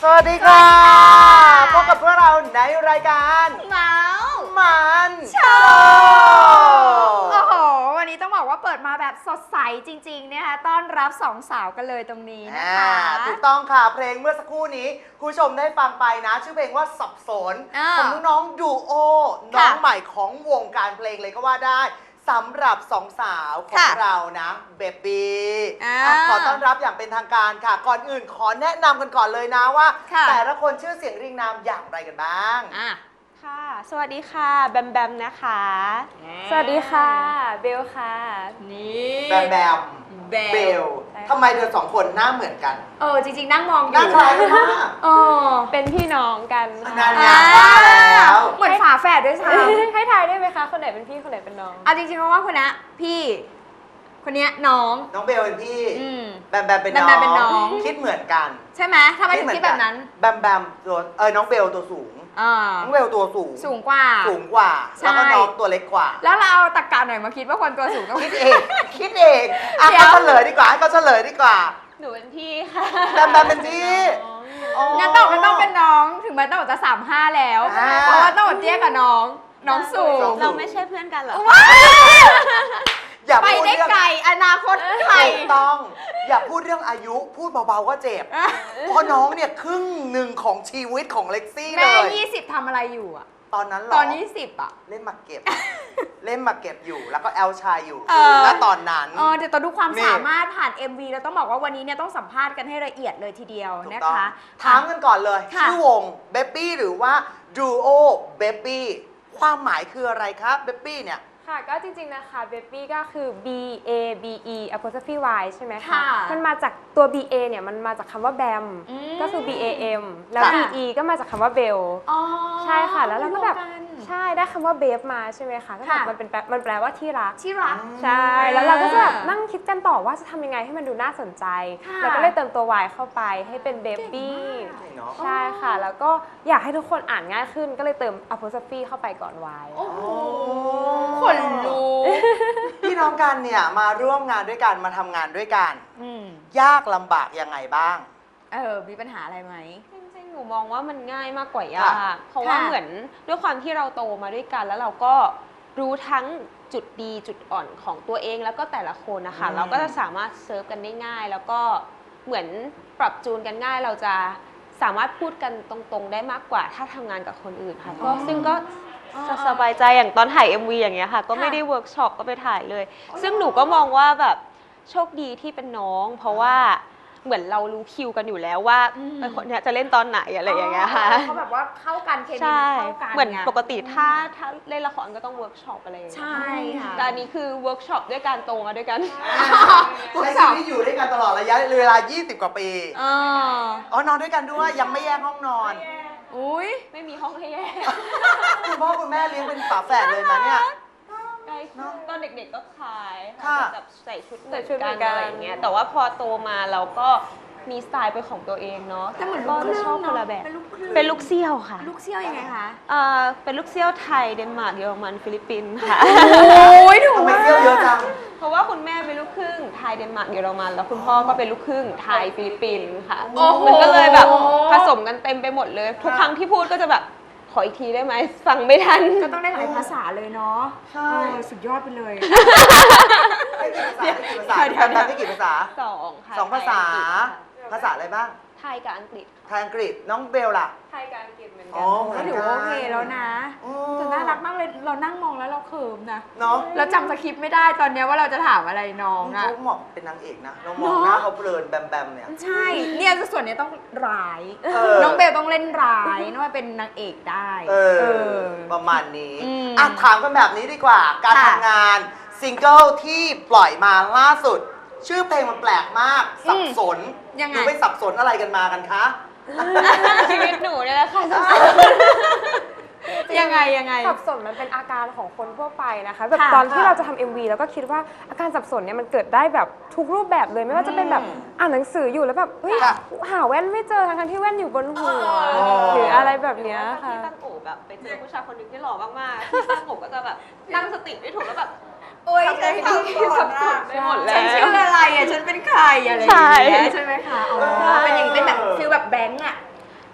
สวัสดีค่ะพบกับพวกเราในรายการเมาส์มันโชว์โอ้โหวันนี้ต้องบอกว่าเปิดมาแบบสดใสจริงๆนะคะต้อนรับสองสาวกันเลยตรงนี้นะคะถูกต้องค่ะเพลงเมื่อสักครู่นี้คุณผู้ชมได้ฟังไปนะชื่อเพลงว่าสับสนของน้องๆดูโอน้องใหม่ของวงการเพลงเลยก็ว่าได้สำหรับสองสาวของเรานะเบบี้ขอต้อนรับอย่างเป็นทางการค่ะก่อนอื่นขอแนะนำกันก่อนเลยนะว่าแต่ละคนชื่อเสียงเรียงนามอย่างไรกันบ้างค่ะสวัสดีค่ะแบมแบมนะคะสวัสดีค่ะเบลค่ะนี่แบมแบมเบลทำไมเธอสองคนหน้าเหมือนกันจริงๆนั่งมองอยู่หน้าคล้ายกันมากเป็นพี่น้องกันนั่นไงว่าแล้วเหมือนฝาแฝดด้วยซ้ำให้ทายได้ไหมคะคนไหนเป็นพี่คนไหนเป็นน้องจริงๆเพราะว่าคนนี้พี่คนนี้น้องเบลเป็นพี่แบมแบมเป็นน้องคิดเหมือนกันใช่ไหมทำไมถึงคิดแบบนั้นแบมแบมตัวน้องเบลตัวสูงน้องเบลตัวสูงกว่าแล้วก็น้องตัวเล็กกว่าแล้วเราเอาตะกะหน่อยมาคิดว่าคนตัวสูงต้องคิดเองเขาเฉลยดีกว่าให้เขาเฉลยดีกว่าหนูเป็นพี่ค่ะแบมแบมเป็นพี่งั้นต้องเป็นน้องถึงแม้ต้องจะ35แล้วเพราะว่าต้องเตี้ยกับน้องสูงเราไม่ใช่เพื่อนกันหรอไปได้ไกลอนาคตไกลต้องอย่าพูดเรื่องอายุพูดเบาๆก็เจ็บเพราะน้องเนี่ยครึ่งหนึ่งของชีวิตของเล็กซี่เลยแม่20ทำอะไรอยู่อะตอนนั้นหรอตอน20อะเล่นมาเก็บอยู่แล้วก็แอลชายอยู่แล้วตอนนั้นเดี๋ยวต้องดูความสามารถผ่าน MV แล้วต้องบอกว่าวันนี้เนี่ยต้องสัมภาษณ์กันให้ละเอียดเลยทีเดียวนะคะถามกันก่อนเลยชื่อวงเบบี้หรือว่าดูโอเบบี้ความหมายคืออะไรครับเบบี้เนี่ยค่ะก็จริงๆนะคะเบบี้ก็คือ B A B E apostrophe Y ใช่ไหมคะมันมาจากตัว B A เนี่ยมันมาจากคำว่าแบมก็คือ B A M แล้ว B E ก็มาจากคำว่าเบลใช่ค่ะแล้วเราก็แบบใช่ได้คำว่าเบฟมาใช่ไหมคะก็แบบมันแปลว่าที่รักใช่แล้วเราก็จะแบบนั่งคิดกันต่อว่าจะทำยังไงให้มันดูน่าสนใจแล้วก็เลยเติมตัว Y เข้าไปให้เป็นเบบี้ใช่ค่ะแล้วก็อยากให้ทุกคนอ่านง่ายขึ้นก็เลยเติม apostrophe เข้าไปก่อน Y คนรู้พี่น้องกันเนี่ยมาร่วมงานด้วยกันมาทำงานด้วยกันยากลำบากยังไงบ้างมีปัญหาอะไรไหมจริงๆหนูมองว่ามันง่ายมากกว่ายากเพราะว่าเหมือนด้วยความที่เราโตมาด้วยกันแล้วเราก็รู้ทั้งจุดดีจุดอ่อนของตัวเองแล้วก็แต่ละคนนะคะเราก็จะสามารถเซิร์ฟกันได้ง่ายแล้วก็เหมือนปรับจูนกันง่ายเราจะสามารถพูดกันตรงๆได้มากกว่าถ้าทำงานกับคนอื่นค่ะก็ซึ่งก็สบายใจอย่างตอนถ่าย MV อย่างเงี้ยค่ะก็ไม่ได้เวิร์กช็อปก็ไปถ่ายเลยซึ่งหนูก็มองว่าแบบโชคดีที่เป็นน้องเพราะว่าเหมือนเรารู้คิวกันอยู่แล้วว่าคนเนี้ยจะเล่นตอนไหนอะไรอย่างเงี้ยค่ะเขาแบบว่าเข้ากันเคมีเข้ากันเหมือนปกติถ้าเล่นละครก็ต้องเวิร์กช็อปอะไรใช่ค่ะแต่อันนี้คือเวิร์กช็อปด้วยการโตมาด้วยกันใช้ชีวิตอยู่ด้วยกันตลอดระยะเวลา20กว่าปีนอนด้วยกันด้วยยังไม่แยกห้องนอนไม่มีห้องให้แยกคุณพ่อคุณแม่เลี้ยงเป็นฝาแฝดเลยมาเนี่ยตอนเด็กๆก็คล้ายแบบใส่ชุดเหมือนกันอะไรอย่างเงี้ยแต่ว่าพอโตมาเราก็มีสไตล์เป็นของตัวเองเนาะแต่เหมือนก็จะชอบคนละแบบเป็นลูกเซี่ยวค่ะลูกเซี่ยวยังไงคะเป็นลูกเซี่ยวไทยเดนมาร์กเยอรมันฟิลิปปินส์ค่ะทำไมเซี่ยวเยอะจังเพราะว่าคุณแม่เป็นลูกครึ่งไทยเดนมาร์กเยอรมันแล้วคุณพ่อก็เป็นลูกครึ่งไทยฟิลิปปินส์ค่ะมันก็เลยแบบผสมกันเต็มไปหมดเลยทุกครั้งที่พูดก็จะแบบขออีกทีได้ไหมฟังไม่ทันก็ต้องได้หลายภาษาเลยเนาะใช่สุดยอดไปเลยได้กี่ภาษาได้กี่ภาษา 2 ค่ะ 2 ภาษาภาษาอะไรบ้างไทยกับอังกฤษไทยอังกฤษน้องเบลล่ะไทยกับอังกฤษเหมือนกัก็ถือว่าโอเคแล้วนะแต่น่ารักมากเลยเรานั่งมองแล้วเราเขิมนะเนาะเราจำสคริปต์ไม่ได้ตอนนี้ว่าเราจะถามอะไรน้องอะเขาเหมาะเป็นนางเอกนะน้องมองหน้าเขาเพลินแบมแบมเนี่ยใช่เนี่ยส่วนนี้ต้องร้ายน้องเบลต้องเล่นร้ายนึกว่าเป็นนางเอกได้ประมาณนี้ถามกันแบบนี้ดีกว่าการทำงานซิงเกิลที่ปล่อยมาล่าสุดชื่อเพลงมันแปลกมากสับสนหนูไปสับสนอะไรกันมากันคะชีวิตหนูเนี่ยแหละค่ะสับสนยังไงสับสนมันเป็นอาการของคนทั่วไปนะคะแบบตอนที่เราจะทำ MV แล้วก็คิดว่าอาการสับสนเนี่ยมันเกิดได้แบบทุกรูปแบบเลยไม่ว่าจะเป็นแบบอ่านหนังสืออยู่แล้วแบบเฮ้ยหาแว่นไม่เจอทั้งที่แว่นอยู่บนหัวหรืออะไรแบบเนี้ยค่ะที่ตั้งโอบแบบไปเจอผู้ชายคนนึงที่หล่อมากๆที่ตั้งโอบก็จะแบบตั้งสติไม่ถูกแล้วแบบฉันสับสนไปหมดแล้วฉันชื่ออะไรอ่ะฉันเป็นใครอะไรอย่างเงี้ยใช่ไหมคะเป็นอย่างเป็นแบบฟีลแบบแบงค์อ่ะ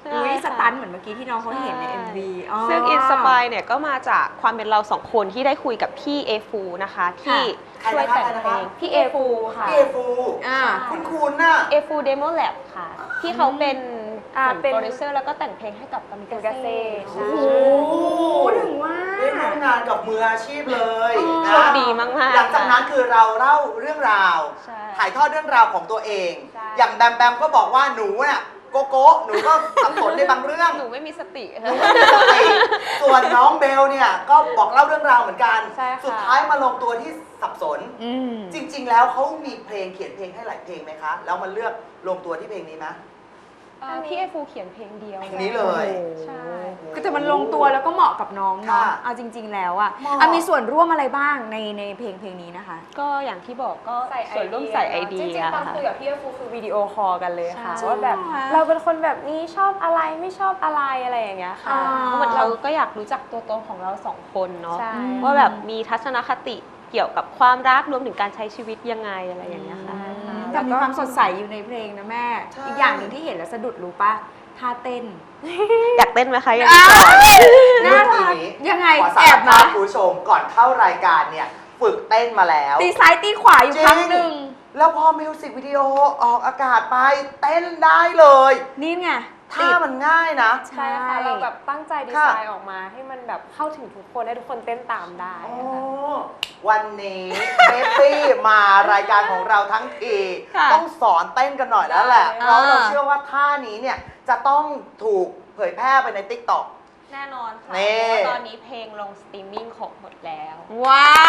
อุ้ยใช่สค่ะตันเหมือนเมื่อกี้ที่น้องเขาเห็นในใช่ MV ซึ่งอินสปายเนี่ยก็มาจากความเป็นเราสองคนที่ได้คุยกับพี่เอฟูนะคะที่ช่วยแต่งเพลงพี่เอฟูค่ะพี่เอฟูอ่าคุณน่ะเอฟูเดโมแลบค่ะที่เขาเป็นเหมือนเป็นโปรดิวเซอร์แล้วก็แต่งเพลงให้กับกามิกาเซ่โอ้ใช่โหพูดถึงว่าได้ร่วมงานกับมืออาชีพเลยนะโชคดีมากๆหลังจากนั้นคือเราเล่าเรื่องราวใช่ถ่ายทอดเรื่องราวของตัวเองใช่อย่างแบมแบมก็บอกว่าหนูน่ะโกโก้หนูก็สับสนในบางเรื่องหนูไม่มีสติหนูไม่มีสติส่วนน้องเบลเนี่ยก็บอกเล่าเรื่องราวเหมือนกันใช่ค่ะสุดท้ายมาลงตัวที่สับสนอืมจริง ๆ แล้วเขามีเพลงเขียนเพลงให้หลายเพลงไหมคะ แล้วมันเลือกลงตัวที่เพลงนี้ไหมพี่เอฟูเขียนเพลงเดียวเพลงนี้เลยใช่ก็แต่มันลงตัวแล้วก็เหมาะกับน้องเนาะค่ะเอาจริง ๆ แล้วอะเหมาะอ่ะมีส่วนร่วมอะไรบ้างในเพลงนี้นะคะก็อย่างที่บอกก็ใส่ส่วนร่วมใส่ไอเดีจริยงๆตอนค่ะคุยกับพี่เอฟูคือวิดีโอคอลกันเลยค่ะใช่ว่าแบบจริงเหรอเราเป็นคนแบบนี้ชอบอะไรไม่ชอบอะไรอะไรอย่างเงี้ยค่ะอ่าเหมือนเราก็อยากรู้จักตัวตนของเราสองคนเนาะใช่ว่าแบบมีทัศนคติเกี่ยวกับความรักรวมถึงการใช้ชีวิตยังไงอะไรอย่างเงี้ยค่ะแต่มีความสดใสอยู่ในเพลงนะแม่ใช่อีกอย่างหนึ่งที่เห็นแล้วสะดุดรู้ปะท่าเต้นอยากเต้นไหมคะอยากอ่าน่ารักยังไงขอสาแอรบภามาพคุณผู้ชมก่อนเข้ารายการเนี่ยฝึกเต้นมาแล้วตีซ้ายตีขวาอยู่จริงครั้งหนึ่งแล้วพอมิวสิกวิดีโอออกอากาศไปเต้นได้เลยนี่ไงท่ามันง่ายนะใช่ค่ะเราแบบตั้งใจดีค่ะไซน์ออกมาให้มันแบบเข้าถึงทุกคนให้ทุกคนเต้นตามได้โอ้ค่ะวันนี้เบปปี้มารายการของเราทั้งทีค่ะต้องสอนเต้นกันหน่อยแล้วแหละได้เพราะเราเชื่อว่าท่านี้เนี่ยจะต้องถูกเผยแพร่ไปใน TikTok แน่นอนค่ะนี่เพราะว่าตอนนี้เพลงลงสตรีมมิ่งของหมดแล้วว้าว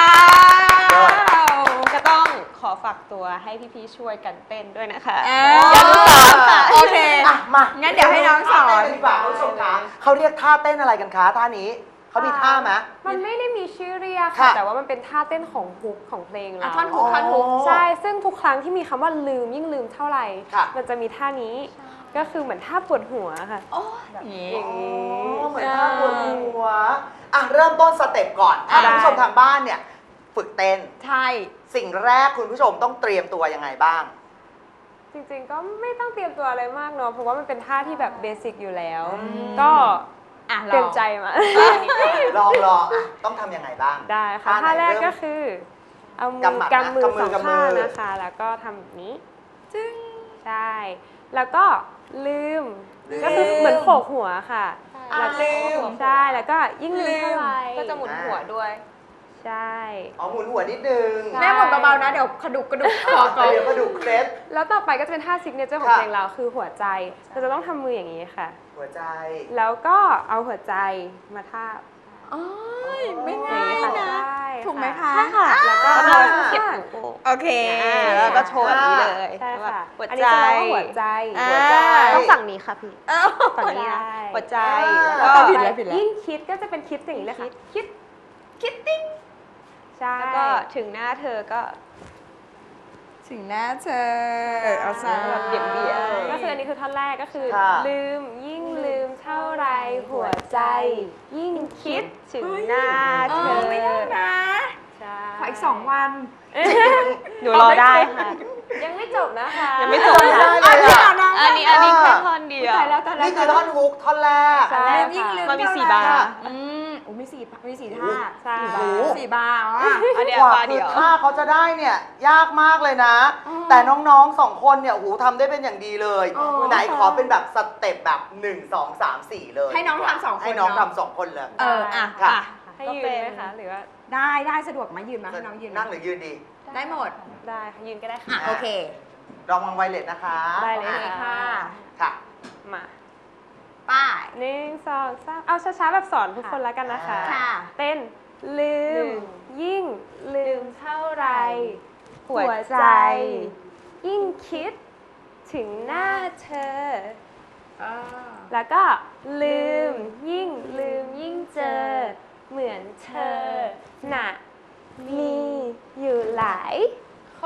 ก็ต้องขอฝากตัวให้พี่ๆช่วยกันเต้นด้วยนะคะอ่าอย่าลืมสอนค่ะโอเคอ่ะมางั้นเดี๋ยวให้น้องสอนท่าเต้นกันดีกว่าคุณผู้ชมคะเขาเรียกท่าเต้นอะไรกันคะท่านี้เขามีท่าไหมมันไม่ได้มีชื่อเรียกค่ะค่ะ แต่ว่ามันเป็นท่าเต้นของฮุกของเพลงเราอ่ะท่อนฮุกท่อนฮุกอ๋อใช่ ซึ่งทุกครั้งที่มีคำว่าลืมยิ่งลืมเท่าไหร่ค่ะมันจะมีท่านี้ ก็คือเหมือนท่าปวดหัวค่ะโอ้ยอย่างงี้อย่างนี้อ๋อเหมือนท่าปวดหัวอ่ะเริ่มต้นสเต็ปก่อนอ่ะท่านผู้ชมทางบ้านเนี่ยฝึกเต้นใช่สิ่งแรกคุณผู้ชมต้องเตรียมตัวยังไงบ้างจริงๆ ก็ไม่ต้องเตรียมตัวอะไรมากเนาะ เพราะว่ามันเป็นท่าที่แบบเบสิกอยู่แล้วอืมก็อ่ะเตรียมใจมาลองอ่ะต้องทำยังไงบ้างได้ค่ะท่าไหนท่าแรกเริ่มก็คือ เอามืกำหมัดนะกำมือกำมือสองกำมือข้างนะคะ แล้วก็ทำแบบนี้จึ้งใช่ แล้วก็ลืมลืมก็คือเหมือนโขกหัวค่ะอ่ะแล้วลืมใช่ แล้วก็ยิ่งลืมเท่าไหร่ก็จะหมุนหัวด้วยใช่อ๋อหมุนหัวนิดนึงใช่แม่หมดเบาๆนะ เดี๋ยวกระดุกคอก่อนเดี๋ยวกระดูกเคล็ดแล้วต่อไปก็จะเป็นท่าซิกเนเจอร์ของค่ะเพลงเราคือหัวใจ เราจะต้องทำมืออย่างนี้ค่ะหัวใจแล้วก็เอาหัวใจมาทาบโอ้ยไม่ง่ายค่ะนะใช่ถูกไหมคะใช่ค่ะ แล้วก็อ่าเราเก็บข้างหูโป่งโอเคแล้วก็โชว์แบบนี้เลยใช่ค่ะหัวอันใจนี้จะเรียกว่าหัวใจอ่าหัวใจต้องฝั่งนี้ค่ะพี่เอ้าฝั่งนี้นะใช่หัวใจอ่าแล้วก็ผิดแล้วผิดแล้วยิ่งคิดก็จะเป็นคิดอย่างนี้เลยค่ะ คิดคิดติ้งใช่แล้วก็ถึงหน้าเธอก็ถึงหน้าเธอ เอาซะแบบเบี่ยงก็คืออันนี้คือท่อนแรกก็คือค่ะลืมยิ่งลืมเท่าไรหัวใจ ยิ่งคิดถึงหน้าเอเธออไม่ยากนะใช่ขออีก2 วันหนูรอได้ค่ะยังไม่จบนะคะยังไม่จบไม่ได้ค่ะเลยอะอันนี้แค่ท่อนเดียวตายแล้วตายแล้วนี่คือท่อนฮุกท่อนแรกใช่ลืมยิ่งลืมมันมีเท่าสี่ไหร่บาร์อืมโอ้มีสี่ท่าใช่โอ้โห 4 บาร์อ๋ออันเดียวกว่าบาร์คืเดีอยวท่าเขาจะได้เนี่ยยากมากเลยนะอ๋อแต่น้องๆ2 คนเนี่ยโอ้โหทำได้เป็นอย่างดีเลยอ๋อไหนขอเป็นแบบสเต็ปแบบ 1 2 3 4 เลยให้น้องทำ2 คนให้น้องเนอะทำ2 คนเลยเอออ่ะค่ะอ่ะให้ยืนไหมคะหรือว่าได้สะดวกไหมายืนมาให้น้องยืนนั่งหรือยืนดีได้หมดได้ค่ะยืนก็ได้อ่ะค่ะโอเคลองวางไวเลสนะคะได้เลยโอเคค่ะค่ะมาป้าย 1 2 3เอาช้าๆแบบสอนทุกคนแล้วกันนะคะค่ะเต้นลืม ยิ่งลืมเท่าไรหัวใจยิ่งคิดถึงหน้าเธอ แล้วก็ลืมยิ่งลืมยิ่งเจอ เหมือนเธอน่ะมีอยู่หลายคน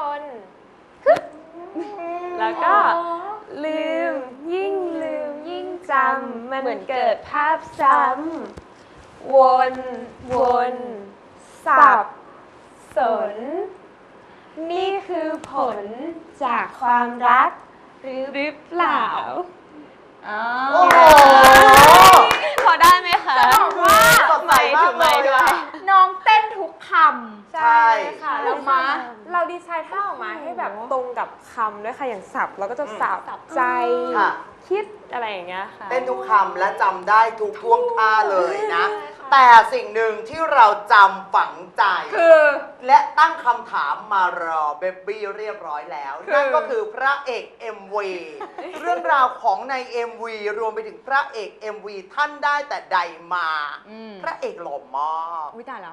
แล้วก็ลืมยิ่งลืมยิ่งจำมันเหมือนเกิดภาพซ้ำวนสับสน นี่คือผลจากความรักหรือเปล่าโอ้โหพอได้ไหมคะจะบอกว่าสดใสมากเลยอะน้องเต้นทุกคใช่ค่ะแล้แล้ว วมาเราดีไซน์ท่าออกมาให้แบบตรงกับคำด้วยค่ะอย่างสับเราก็จะสับใจค่ะคิดอะไรอย่างเงี้ยค่ะเต้นทุกคำและจำได้ทุกท่วงท่าเลยนะ แต่สิ่งหนึ่งที่เราจำฝังใจำคือและตั้งคำถามมารอเบบี้เรียบร้อยแล้ว นั่นก็คือพระเอก MV เรื่องราวของใน MV รวมไปถึงพระเอก MV ท่านได้แต่ใดมา พระเอกหล่อมากอุ้ยตายแล้ว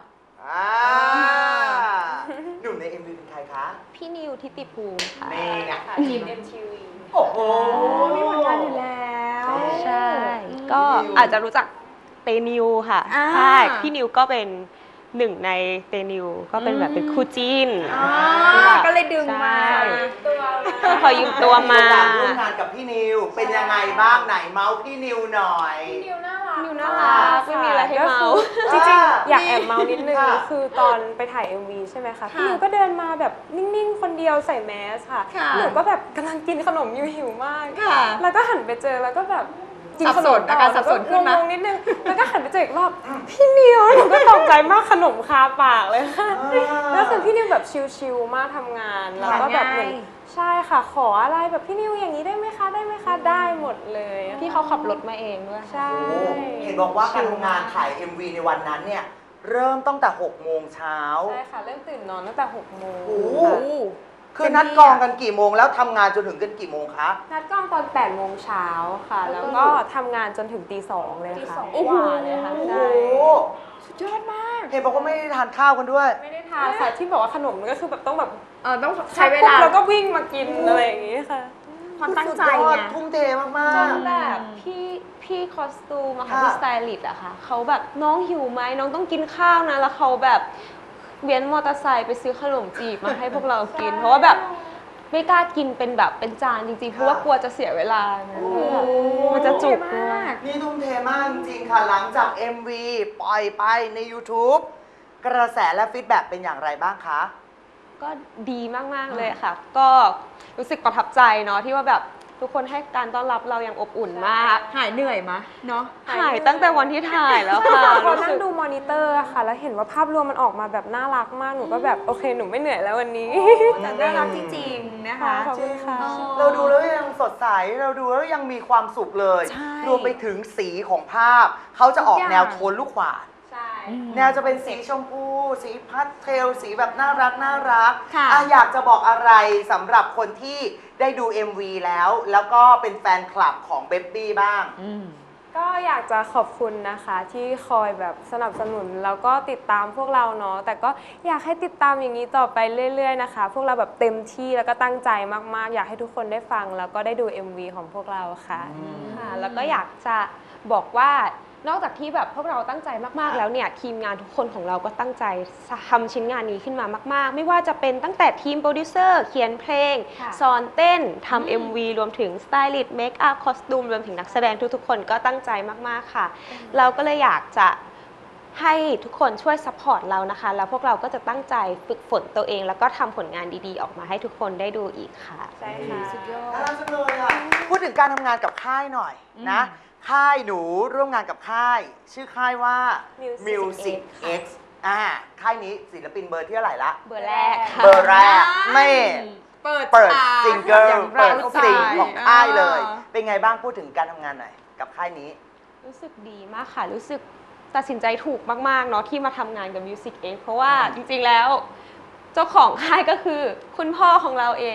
หนุ่มใน MV เป็นใครคะพี่นิวทิติภูมิค่ะนี่ไงค่ะทีม MTV โอ้โหมีผลงานอยู่แล้วใช่ ก็อาจจะรู้จักเตนิวค่ะอ่าใช่พี่นิวก็เป็นหนึ่งในเตนิวก็เป็นแบบเป็นคู่จิ้นก็เลยดึงมาใช่ตัวขอยืมตัวมาโอกาสร่วมงานกับพี่นิว เป็นยังไงบ้างไหนเมาส์พี่นิวหน่อยนิวน่ารักนิวน่ารักไม่มีอะไรให้เมาจริงๆ อยากแอบเมานิดนึงค่ะคือตอนไปถ่าย MV ใช่ไหมคะพี่นิวก็เดินมาแบบนิ่งๆ คนเดียวใส่แมสค่ะค่ะหนูก็แบบกำลังกินขนมอยู่หิวมากค่ะแล้วก็หันไปเจอแล้วก็แบบกินขนมอาการสับสนขึ้นไหมงงๆนิดนึงแล้วก็หันไปเจออีกรอบพี่นิวหนูก็ตกใจมากขนมคาปากเลยค่ะแล้วคือพี่นิวแบบชิลๆมากทำงานแล้วก็แบบเหมือนใช่ค่ะขออะไรแบบพี่นิวอย่างนี้ได้ไหมคะได้ไหมคะได้หมดเลยพี่เขาขับรถมาเองด้วยใช่โอ้เห็นบอกว่าการทำงานถ่าย MV ในวันนั้นเนี่ย เริ่มตั้งแต่ 6 โมงเช้าใช่ค่ะเริ่มตื่นนอนตั้งแต่6 โมงโอ้โหค่ะคือนัดกองกันกี่โมงแล้วทำงานจนถึงกันกี่โมงคะนัดกล้องตอน8 โมงเช้าค่ะ แล้วก็ทำงานจนถึงตี 2เลยค่ะโอ้โหเลยค่ะโอ้ใช่โหสุดยอดมากเห็นบอกว่าไม่ได้ทานข้าวกันด้วยไม่ได้ทานค่ะที่บอกว่าขนมมันก็คือแบบต้องแบบต้องใช้เวลาแล้วก็วิ่งมากินอะไรอย่างงี้ค่ะความตั้งใจสุดยอดไงทุ่มเทมากจนๆแบบพี่คอสตูมอะค่ะค่ะพี่สไตลิสต์อะค่ะเขาแบบน้องหิวไหมน้องต้องกินข้าวนะแล้วเขาแบบเวียนมอเตอร์ไซค์ไปซื้อขนมจีบมาให้พวกเรากิน เพราะว่าแบบไม่กล้ากินเป็นแบบเป็นจานจริงๆเพราะว่ากลัวจะเสียเวลานะมันจะจุกด้วยนี่ทุ่มเทมากจริงๆค่ะ หลังจาก MV ปล่อยไปใน YouTube กระแสและฟีดแบ็กเป็นอย่างไรบ้างคะก็ดีมากๆเลยค่ะ ก็รู้สึกประทับใจเนาะที่ว่าแบบทุกคนให้การต้อนรับเราอย่างอบอุ่นมากหายเหนื่อยมะเนาะหายตั้งแต่วันที่ถ่ายแล้วค่ะพอรู้นั่สึงกดูมอนิเตอร์อะค่ะ แล้วเห็นว่าภาพรวมมันออกมาแบบน่ารักมากหนูก็แบบโอเคหนูไม่เหนื่อยแล้ววันนี้แต่น่ารักจริงๆนะคะขอบคุณค่ะเราดูแล้วยังสดใส เราดูแล้วยังมีความสุขเลยใช่รวมไปถึงสีของภาพ เขาจะออกทุกอย่างแนวโทนลูกขวานใช่แนวจะเป็นสีชมพู สีพาสเทล สีแบบน่ารักน่ารักค่ะอยากจะบอกอะไรสำหรับคนที่ได้ดู MV แล้วก็เป็นแฟนคลับของเบ b บี้บ้างก็อยากจะขอบคุณนะคะที่คอยแบบสนับสนุนแล้วก็ติดตามพวกเราเนาะแต่ก็อยากให้ติดตามอย่างนี้ต่อไปเรื่อยๆนะคะ พวกเราแบบเต็มที่แล้วก็ตั้งใจมากๆ อยากให้ทุกคนได้ฟังแล้วก็ได้ดู MV ของพวกเราค่ะค่ะแล้วก็อยากจะบอกว่านอกจากที่แบบพวกเราตั้งใจมากๆแล้วเนี่ยทีมงานทุกคนของเราก็ตั้งใจทำชิ้นงานนี้ขึ้นมามากๆ ไม่ว่าจะเป็นตั้งแต่ทีมโปรดิวเซอร์เขียนเพลงค่ะสอนเต้นทำ MV รวมถึงสไตลิสต์เมคอัพคอสตูมรวมถึงนักแสดงทุกๆคนก็ตั้งใจมากๆค่ะ เราก็เลยอยากจะให้ทุกคนช่วยซัพพอร์ตเรานะคะ แล้วพวกเราก็จะตั้งใจฝึกฝนตัวเอง แล้วก็ทำผลงานดีๆ ออกมาให้ทุกคนได้ดูอีกค่ะใช่ค่ะสุดยอน่าดรักจังเลยอ่ะ พูดถึงการทำงานกับค่ายหน่อยนะ ค่ายหนูร่วมงานกับค่าย ชื่อค่ายว่า Music X ค่ายนี้ศิลปินเบอร์ที่เท่าไหร่ละเบอร์แรกค่ะเบอร์แรกไม่เปิดเปิดฉากซิงเกิลอย่างเปิดเราซิงของค่ายเลยอ่าเป็นไงบ้างพูดถึงการทำงานหน่อยกับค่ายนี้รู้สึกดีมากค่ะ รู้สึกตัดสินใจถูกมากๆเนาะที่มาทำงานกับ Music X เพราะว่าจริงๆแล้วเจ้าของค่ายก็คือคุณพ่อของเราเอง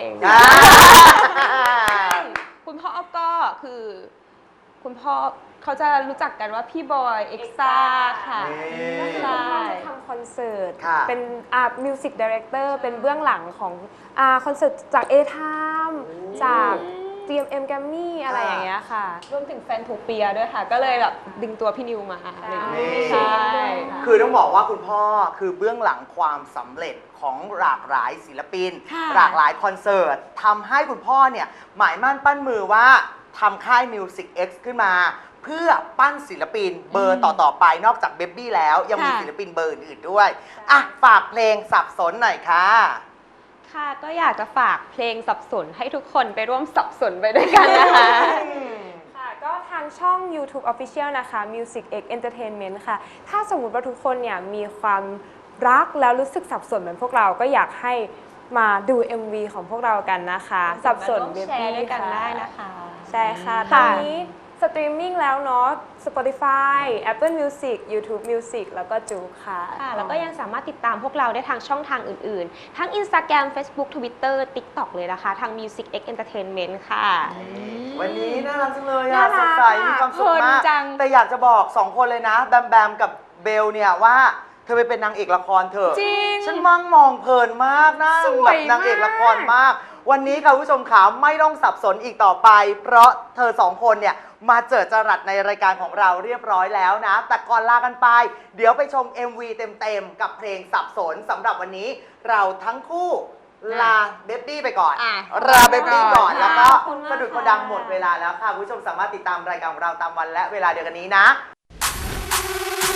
คุณพ่อก็คือคุณพ่อเขาจะรู้จักกันว่าพี่บอยเอ็กซ่าค่ะนี่ใช่ทำคอนเสิร์ตค่ะเป็นมิวสิกดีเรคเตอร์เป็นเบื้องหลังของคอนเสิร์ตจาก A-Time จาก GMM Grammy อะไรอย่างเงี้ยค่ะรวมถึงแฟนโทเปียด้วยค่ะ ก็เลยแบบดึงตัวพี่นิวมาอะไรอย่างเงี้ยนี่ใช่คือต้องบอกว่าคุณพ่อคือเบื้องหลังความสำเร็จของหลากหลายศิลปินค่ะหลากหลายคอนเสิร์ตทำให้คุณพ่อเนี่ยหมายมั่นปั้นมือว่าทำค่าย Music X ขึ้นมา เพื่อปั้นศิลปินเบอร์ต่อๆไปนอกจากเบ b บี้แล้ว ยังมีค่ะศิลปินเบอร์อื่นๆด้วยอ่ะฝากเพลงสับสนหน่อยค่ะค่ะก็อยากจะฝากเพลงสับสนให้ทุกคนไปร่วมสับสนไปด้วยกันนะคะค่ะก็ทางช่อง YouTube Official นะคะ Music X Entertainment ค่ะ ถ้าสมมุติว่าทุกคนเนี่ยมีความรักแล้วรู้สึกสับสนเหมือนพวกเราก็อยากให้มาดู MV ของพวกเรากันนะคะ สับสนมาร่วมเบแชร์บี้ด้วยกันค่ะได้นะคะใช่ค่ะ ตค่ะอนนี้สตรีมมิ่งแล้วเนาะ Spotify Apple Music YouTube Music แล้วก็จูกค่ะค่ะแล้วก็ยังสามารถติดตามพวกเราได้ทางช่องทางอื่นๆ ทั้ง Instagram Facebook Twitter TikTok เลยนะคะ ทาง Music X Entertainment ค่ะวันนี้น่ารักจังเลยน่าอะรัสกดใสมีความสุขเพลิมากนจังแต่อยากจะบอกสองคนเลยนะ แบมแบมกับเบลเนี่ยว่าเธอไปเป็นนางเอกละครเถอะจริงฉันมั่งมองเพลินมากนะสวยแบบนางเอกละครมาก วันนี้ค่ะคุณผู้ชมขาไม่ต้องสับสนอีกต่อไป เพราะเธอสองคนเนี่ยมาเจอจรัสในรายการของเราเรียบร้อยแล้วนะ แต่ก่อนลากันไป เดี๋ยวไปชม MV เต็มๆกับเพลงสับสนสำหรับวันนี้เราทั้งคู่ลาเบบี้ไปก่อนอ่ะลาเบบี้ก่อนขอบคุณแล้วก็ขอบคุณมากสะดุดค่ะกระดังหมดเวลาแล้วค่ะคุณผู้ชมสามารถติดตามรายการของเราตามวันและเวลาเดียวกันนี้นะ